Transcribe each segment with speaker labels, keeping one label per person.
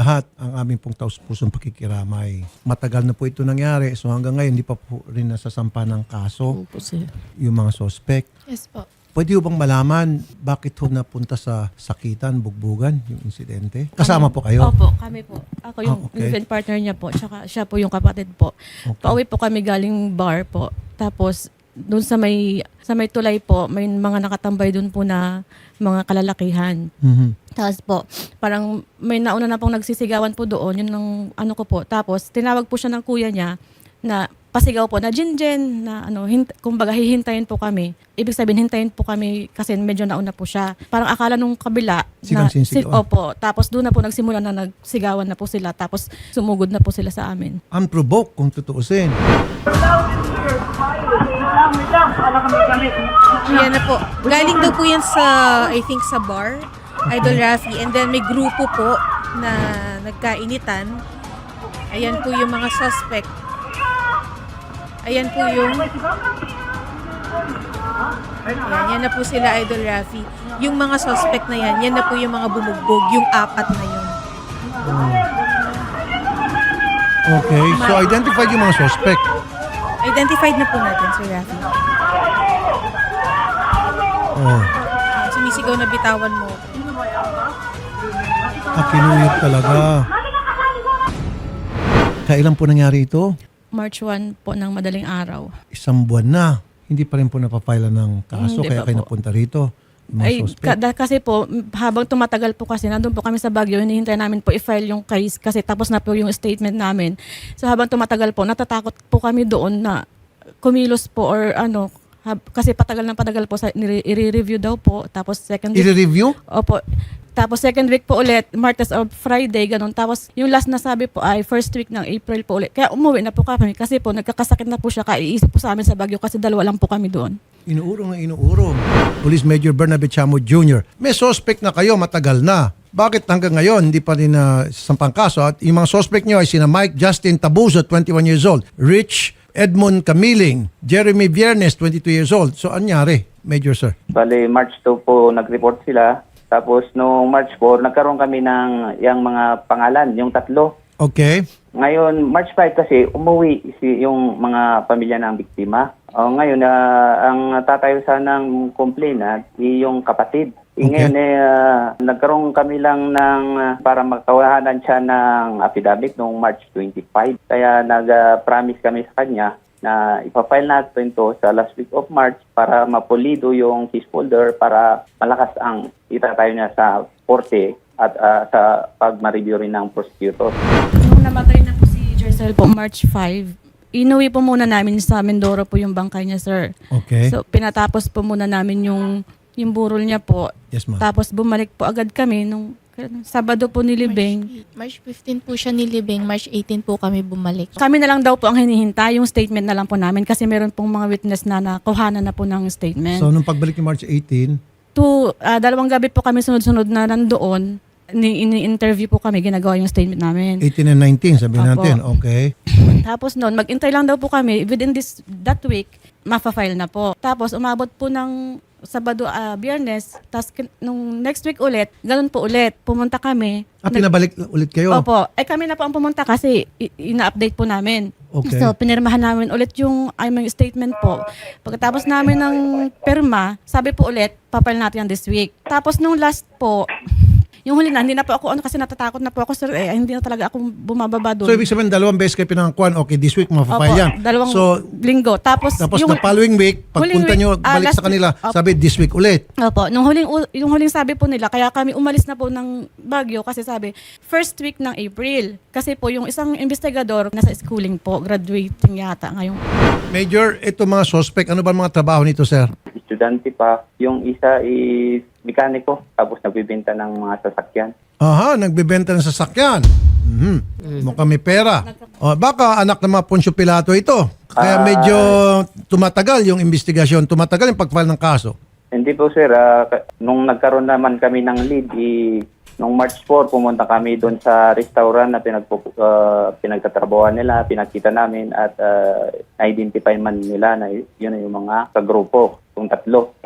Speaker 1: lahat ang aming pong taus-pusong pakikiramay. Matagal na po ito nangyari. So hanggang ngayon, hindi pa po rin nasasampa ng kaso
Speaker 2: Opo, sir.
Speaker 1: yung mga suspect.
Speaker 3: Yes po.
Speaker 1: Pwede ho bang malaman bakit ho napunta sa sakitan, bugbugan, yung insidente? Kasama po kayo?
Speaker 2: Opo, kami po. Ako yung
Speaker 1: okay.
Speaker 2: event partner niya po, tsaka siya po yung kapatid po.
Speaker 1: Okay.
Speaker 2: Pauwi po kami galing bar po. Tapos, doon sa may tulay po, may mga nakatambay doon po na mga kalalakihan.
Speaker 1: Mhm.
Speaker 2: Tapos po, parang may nauna na pong nagsisigawan po doon, yun ang ano ko po. Tapos, tinawag po siya ng kuya niya na pasigaw po na Jen, na ano, kumbaga hihintayin po kami. Ibig sabihin, hintayin po kami kasi medyo nauna po siya. Parang akala nung kabila
Speaker 1: Silang sinisigawan.
Speaker 2: opo. Tapos doon na po nagsimula na nagsigawan na po sila. Tapos sumugod na po sila sa amin.
Speaker 1: Unprovoked kung tutuusin.
Speaker 3: Yan na po. Galing daw po yan sa, I think, sa bar, Idol Rafi. And then may grupo po na nagkainitan. Ayan po yung mga suspect. Ayan po yung... Ayan, yan na po sila, Idol Rafi. Yung mga suspect na yan na po yung mga bumugbog, yung apat na yun.
Speaker 1: Okay, so identified yung mga suspect.
Speaker 3: Identified na po natin, Sir Rafi.
Speaker 1: Oh,
Speaker 3: Ayan, sumisigaw na bitawan mo.
Speaker 1: kinuyot talaga. Kailan po nangyari ito?
Speaker 2: March 1 po ng madaling araw.
Speaker 1: Isang buwan na. Hindi pa rin po napapila ng kaso,
Speaker 2: Hindi
Speaker 1: kaya
Speaker 2: pa
Speaker 1: kayo
Speaker 2: po.
Speaker 1: napunta rito. Yung mga
Speaker 2: Ay,
Speaker 1: suspect.
Speaker 2: kasi po, habang tumatagal po kasi, nandun po kami sa Baguio, hinihintay namin po i-file yung case kasi tapos na po yung statement namin. So habang tumatagal po, natatakot po kami doon na kumilos po or ano, kasi patagal po sa i-review daw po. Tapos second week,
Speaker 1: I-review?
Speaker 2: opo. Tapos second week po ulit, Martes or Friday, ganun. Tapos yung last na sabi po ay first week ng April po ulit. Kaya umuwi na po kami kasi po nagkakasakit na po siya, kaiisip po sa amin sa Baguio kasi dalawa lang po kami doon.
Speaker 1: Inuurong na inuurong. Police Major Bernabe Chamo Jr. May suspect na kayo matagal na. Bakit hanggang ngayon hindi pa rin sampang kaso? At yung mga suspect nyo ay sina Mike Justin Tabuzo, 21 years old. Rich Edmond Camiling. Jeremy Viernes, 22 years old. So anyari, Major Sir?
Speaker 4: Bale, March 2 po nag-report sila. Tapos noong March 4, nagkaroon kami ng yung mga pangalan, yung tatlo.
Speaker 1: Okay.
Speaker 4: Ngayon, March 5 kasi umuwi yung mga pamilya ng biktima. Ngayon, ang tatayo sanang complainant yung kapatid.
Speaker 1: Okay.
Speaker 4: Ngayon, nagkaroon kami lang ng para magkawahanan siya ng affidavit noong March 25. Kaya nag-promise kami sa kanya na ipafile natin to sa last week of March para mapulido yung case folder para malakas ang itatayo niya sa korte at sa pag-review rin ng prosecutor.
Speaker 2: Nung namatay na po si Jercel po, March 5, inuwi po muna namin sa Mindoro po yung bangkay niya, sir.
Speaker 1: Okay.
Speaker 2: So, pinatapos po muna namin yung burol niya po.
Speaker 1: Yes, ma'am.
Speaker 2: Tapos, bumalik po agad kami nung Sabado po nilibing.
Speaker 3: March 15 po siya nilibing, March 18 po kami bumalik.
Speaker 2: Kami na lang daw po ang hinihintay, yung statement na lang po namin kasi meron pong mga witness na nakuhanan na po ng statement.
Speaker 1: So nung pagbalik ni March 18,
Speaker 2: Dalawang gabi po kami sunod-sunod na nandoon. Ini-interview po kami, ginagawa yung statement namin.
Speaker 1: 18 and 19, sabihin
Speaker 2: Opo.
Speaker 1: natin. Okay.
Speaker 2: Tapos noon, mag-intay lang daw po kami. Within that week, ma-file na po. Tapos umabot po ng Sabado, Biyernes. Tapos nung next week ulit, ganun po ulit. Pumunta kami.
Speaker 1: Pinabalik ulit kayo?
Speaker 2: Opo. Kami na po ang pumunta kasi ina-update po namin.
Speaker 1: Okay.
Speaker 2: So, pinirmahan namin ulit yung aming statement po. Pagkatapos namin ng pirma, sabi po ulit, papal natin yan this week. Tapos nung last po, yung huli na, hindi na po ako, kasi natatakot na po ako, sir, hindi na talaga ako bumababa doon.
Speaker 1: So ibig sabihin, dalawang beses kayo pinangakuan, okay, this week mapapile yan.
Speaker 2: Dalawang
Speaker 1: So,
Speaker 2: linggo. Tapos
Speaker 1: the following week, pagpunta nyo, balik sa kanila, sabi, this week ulit.
Speaker 2: Opo, yung huling sabi po nila, kaya kami umalis na po ng Baguio kasi sabi, first week ng April. Kasi po yung isang investigador nasa schooling po, graduating yata ngayong.
Speaker 1: Major, ito mga suspect, ano ba ang mga trabaho nito, sir?
Speaker 4: Estudyante pa. Yung isa is mekaniko, tapos nagbibenta ng mga sasakyan.
Speaker 1: Aha, nagbebenta ng sasakyan. Mukhang may pera. Baka anak ng mga Poncio Pilato ito. Kaya medyo tumatagal yung investigasyon, tumatagal yung pag-file ng kaso.
Speaker 4: Hindi po sir, nung nagkaroon naman kami ng lead, nung March 4, pumunta kami doon sa restaurant na pinagtatrabawan nila, pinakita namin at identify man nila na yun yung mga kagrupo, yung tatlo.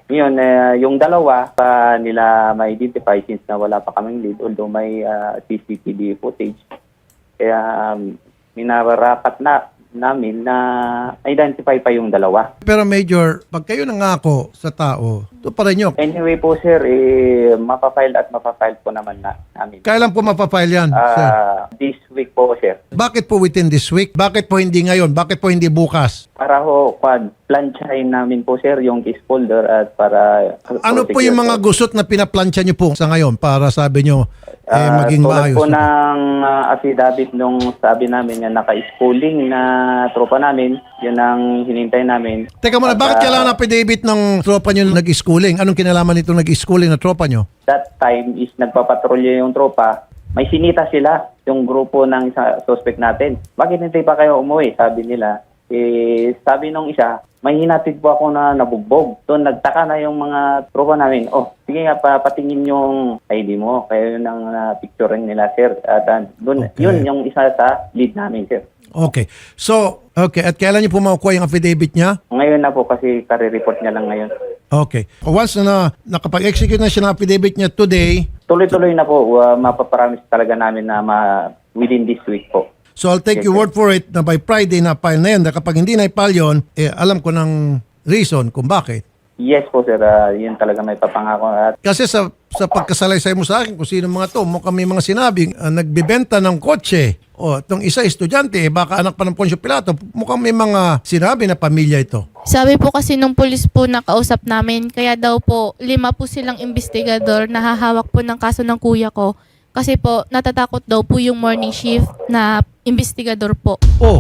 Speaker 4: Ngayon, yung dalawa pa nila ma-identify since na wala pa kaming lead, although may CCTV footage. Kaya minarapat namin na identify pa yung dalawa.
Speaker 1: Pero Major, pag kayo nangako sa tao, ito pa rin nyo.
Speaker 4: Anyway po sir, mapafile at mapafile po naman namin.
Speaker 1: Kailan po mapafile yan, sir?
Speaker 4: This week po sir.
Speaker 1: Bakit po within this week? Bakit po hindi ngayon? Bakit po hindi bukas?
Speaker 4: Para ho, planchahin namin po sir yung case folder at para...
Speaker 1: Ano po yung mga gusot na pinaplansya nyo po sa ngayon para sabi nyo maging
Speaker 4: tulad
Speaker 1: maayos?
Speaker 4: po ng affidavit nung sabi namin na naka-schooling na tropa namin, yun ang hinintay namin.
Speaker 1: Teka muna, bakit kailangan affidavit ng tropa nyo nag-schooling? Anong kinalaman nitong nag-schooling na tropa nyo?
Speaker 4: That time is nagpapatrolya yung tropa, may sinita sila yung grupo ng suspect natin. Bakit hindi pa kayo umuwi? Sabi nila. Sabi nung isa, may hinatid po ako na nabugbog. So nagtaka na yung mga tropa namin, sige nga, patingin yung ID mo. Kaya yun ang picturein nila, sir. At dun,
Speaker 1: Okay.
Speaker 4: yun yung isa sa lead namin, sir.
Speaker 1: Okay. So, okay. At kailan nyo po makukuha yung affidavit niya?
Speaker 4: Ngayon na po kasi kare-report niya lang ngayon.
Speaker 1: Okay. Once na nakapag-execute na siya ng affidavit niya today,
Speaker 4: Tuloy-tuloy na po, mapaparamis talaga namin na within this week po.
Speaker 1: so I'll take
Speaker 4: Yes,
Speaker 1: your
Speaker 4: sir.
Speaker 1: word for it na by Friday na file na yun. Dahil kapag hindi na i-file yun, alam ko ng reason kung bakit.
Speaker 4: Yes po, sir. Yun talaga may papangako. At
Speaker 1: Kasi sa pagkasalaysay mo sa akin, kung sino mga to, mukhang may mga sinabing nagbibenta ng kotse. O, itong isa estudyante, baka anak pa ng Poncio Pilato, mukhang may mga sinabi na pamilya ito.
Speaker 5: Sabi po kasi nung pulis po na kausap namin, kaya daw po 5 po silang investigador na hahawak po ng kaso ng kuya ko. Kasi po natatakot daw po yung morning shift na investigador po.
Speaker 1: Oh,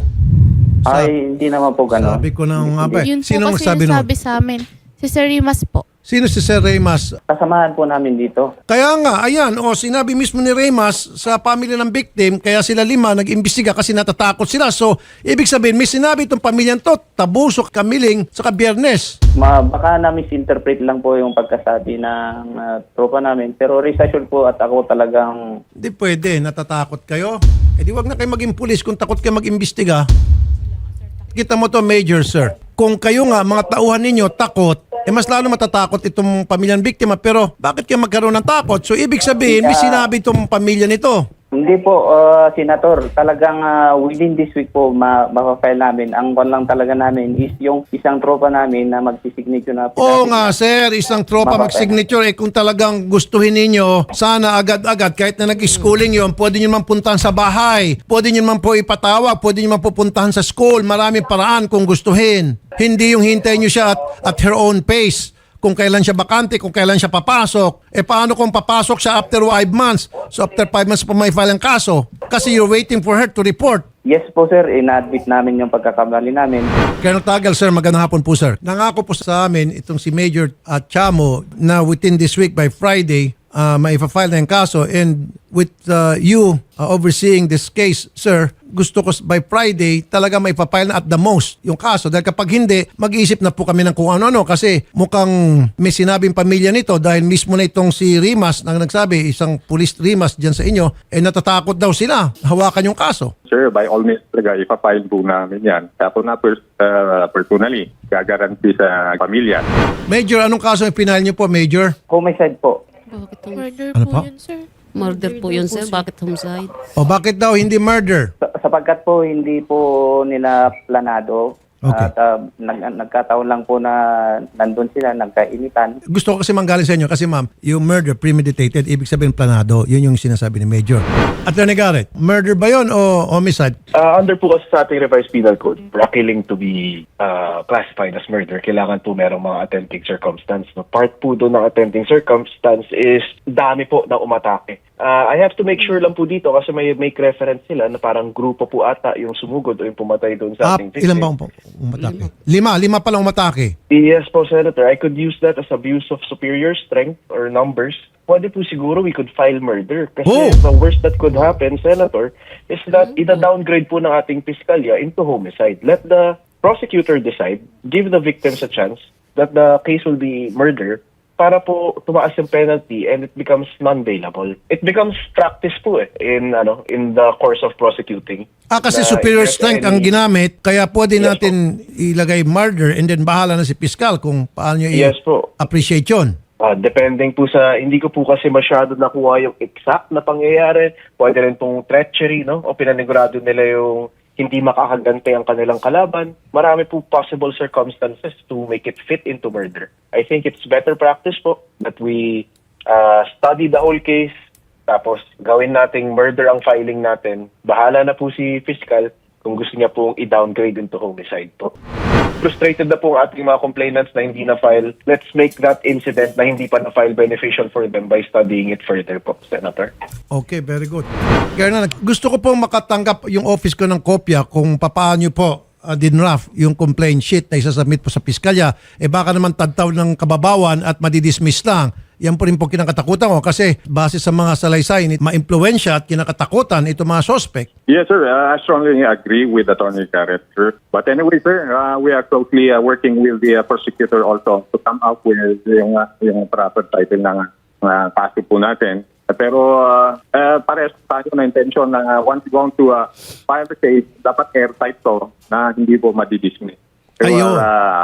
Speaker 4: ay, hindi naman po gano'n.
Speaker 1: sabi ko na nga ba.
Speaker 5: Yun po
Speaker 1: Sino
Speaker 5: kasi
Speaker 1: nagsabi
Speaker 5: yung
Speaker 1: nun?
Speaker 5: sabi sa amin. Si Sir Rimas po.
Speaker 1: Sino si Sir Reymas?
Speaker 4: Kasamahan po namin dito.
Speaker 1: Kaya nga, ayan, sinabi mismo ni Reymas sa pamilya ng victim, kaya sila 5 nag-imbestiga kasi natatakot sila. So, ibig sabihin, may sinabi itong pamilyang to, Tabusok, Kamiling, saka Biyernes.
Speaker 4: Baka na-misinterpret lang po yung pagkasabi ng tropa namin. Pero rest assured po at ako talagang...
Speaker 1: Hindi pwede, natatakot kayo. Di wag na kayo maging pulis kung takot kayo mag-imbestiga. Kita mo to, Major, sir. Kung kayo nga, mga tauhan ninyo, takot, mas lalo matatakot itong pamilyang biktima. Pero bakit kayo magkaroon ng takot? So, ibig sabihin, may sinabi itong pamilya nito.
Speaker 4: Hindi po, Senator. Talagang within this week po, mapafile namin. Ang one lang talaga namin is yung isang tropa namin na magsisignature na...
Speaker 1: Oo nga, sir. Isang tropa mag-signature. Kung talagang gustuhin ninyo, sana agad-agad, kahit na nag-schooling yon, pwede nyo naman puntahan sa bahay. Pwede nyo naman po ipatawag. Pwede nyo naman pupuntahan sa school. Maraming paraan kung gustuhin. Hindi yung hintayin nyo siya at her own pace. Kung kailan siya bakante, kung kailan siya papasok. Paano kung papasok siya after 5 months? So after 5 months pa may file ang kaso. Kasi you're waiting for her to report.
Speaker 4: Yes po, sir. In-admit namin yung pagkakamali namin.
Speaker 1: Colonel Tagal, sir, magandang hapon po, sir. Nangako po sa amin itong si Major Chamo na within this week by Friday, maipa-file na yung kaso. And with you overseeing this case, sir, gusto ko by Friday talaga maipa-file na at the most yung kaso. Dahil kapag hindi, mag-iisip na po kami ng kung ano-ano kasi mukhang may sinabing pamilya nito dahil mismo na itong si Rimas na nagsabi, isang police Rimas dyan sa inyo, natatakot daw sila hawakan yung kaso.
Speaker 6: Sir, by all means talaga, ipapile po namin yan. Ako na personally, gagaranti sa pamilya.
Speaker 1: Major, anong kaso yung pinahal niyo po, Major?
Speaker 4: Homicide po.
Speaker 5: Murder
Speaker 1: Ano
Speaker 5: po
Speaker 1: po?
Speaker 5: yun, sir.
Speaker 7: Murder po yun, sir. Bakit homicide?
Speaker 1: O bakit daw hindi murder?
Speaker 4: Sapagkat po hindi po nila planado.
Speaker 1: Okay.
Speaker 4: At nagkataon lang po na nandun sila, nagkainitan.
Speaker 1: Gusto ko kasi manggaling sa inyo kasi ma'am, yung murder premeditated, ibig sabihin planado. Yun yung sinasabi ni Major. Attorney Garrett, murder ba yun o homicide?
Speaker 8: Under po kasi sa ating revised penal code, for a killing to be classified as murder, kailangan po merong mga attempting circumstance. No? Part po doon ng attempting circumstance is dami po na umatake. I have to make sure lang po dito kasi may make reference sila na parang grupo po ata yung sumugod o yung pumatay doon sa ating victim.
Speaker 1: Ilan ba umatake? Lima pala umatake.
Speaker 8: Yes po, Senator. I could use that as abuse of superior strength or numbers. Pwede po siguro we could file murder. Kasi the worst that could happen, Senator, is that ida-downgrade po ng ating piskalya into homicide. Let the prosecutor decide, give the victims a chance that the case will be murder, para po tumaas yung penalty and it becomes non-bailable. It becomes practice po in the course of prosecuting.
Speaker 1: Kasi
Speaker 8: Na
Speaker 1: superior
Speaker 8: if there's
Speaker 1: strength ang
Speaker 8: any-
Speaker 1: ginamit, kaya pwede
Speaker 8: Yes
Speaker 1: natin ilagay murder and then bahala na si Piskal kung paano niya
Speaker 8: Yes po.
Speaker 1: i-appreciate yun.
Speaker 8: Depending po sa, hindi ko po kasi masyado nakuha yung exact na pangyayari. Pwede rin pong treachery, no? O pinanigurado nila yung hindi makakagante ang kanilang kalaban. Marami po possible circumstances to make it fit into murder. I think it's better practice po that we study the whole case, tapos gawin nating murder ang filing natin. Bahala na po si fiscal kung gusto niya pong i-downgrade into homicide po. Frustrated na po ang ating mga complainants na hindi na-file. Let's make that incident na hindi pa na-file beneficial for them by studying it further po, Senator.
Speaker 1: Okay, very good. Colonel, gusto ko pong makatanggap yung office ko ng kopya kung paano po dinraft yung complaint sheet na isasubmit po sa piskalya. Baka naman tadtaw ng kababawan at madidismiss lang. Yan po rin po kinakatakutan ko kasi base sa mga salaysay, ma-impluensya at kinakatakutan ito mga suspect.
Speaker 6: Yes, sir. I strongly agree with Attorney Garrett, sir. But anyway, sir, we are closely working with the prosecutor also to come up with yung proper title ng kaso po natin. Pero parehas tayo na intention na once going to file the case, dapat airtight to na hindi po madidismiss.
Speaker 1: Ayun.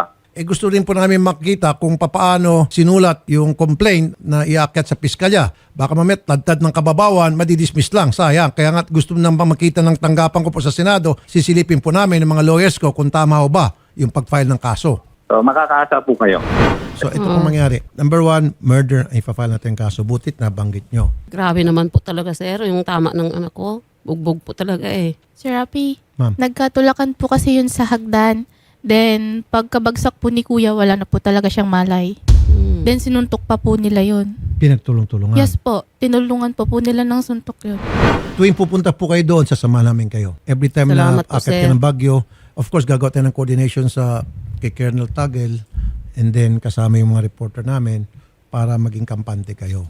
Speaker 1: Gusto rin po namin makita kung paano sinulat yung complaint na iakyat sa piskalya. Baka mamit, tadtad ng kababawan, madidismiss lang. Sayang. Kaya nga gusto nang makita ng tanggapan ko po sa Senado, sisilipin po namin ng mga lawyers ko kung tama o ba yung pag-file ng kaso.
Speaker 6: So, makakaasa po kayo.
Speaker 1: So ito pong mangyari. Number 1, murder. Ay pa-file natin yung kaso. Butit na banggit nyo.
Speaker 7: Grabe naman po talaga, sir. Yung tama ng anak ko. Bugbog po talaga eh.
Speaker 5: Sir Rapi,
Speaker 1: Ma'am.
Speaker 5: nagkatulakan po kasi yun sa hagdan. Then, pagkabagsak po ni kuya, wala na po talaga siyang malay. Then, sinuntok pa po nila yun.
Speaker 1: Pinagtulong-tulungan.
Speaker 5: Yes po, tinulungan po nila ng suntok yun.
Speaker 1: Tuwing pupunta po kayo doon, sasama namin kayo. Every time
Speaker 7: Salamat
Speaker 1: na
Speaker 7: po,
Speaker 1: akit
Speaker 7: sir.
Speaker 1: ka ng Baguio, of course, gagawa tayo ng coordination sa kay Colonel Tagel and then kasama yung mga reporter namin para maging kampante kayo.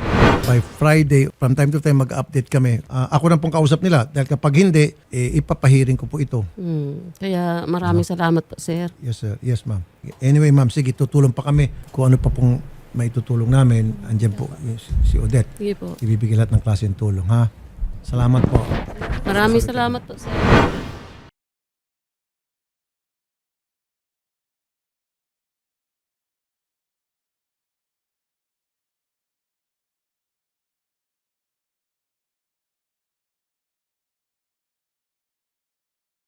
Speaker 1: By Friday, from time to time, mag-update kami. Ako na pong kausap nila dahil kapag hindi, ipapahiring ko po ito.
Speaker 7: Kaya maraming salamat po, sir.
Speaker 1: Yes, sir. Yes, ma'am. Anyway, ma'am, sige, tutulong pa kami kung ano pa pong maitutulong namin. Andiyan po si Odette.
Speaker 7: Sige po.
Speaker 1: Ibibigay lahat ng klase ng tulong, ha? Salamat po.
Speaker 7: Maraming salamat po, sir.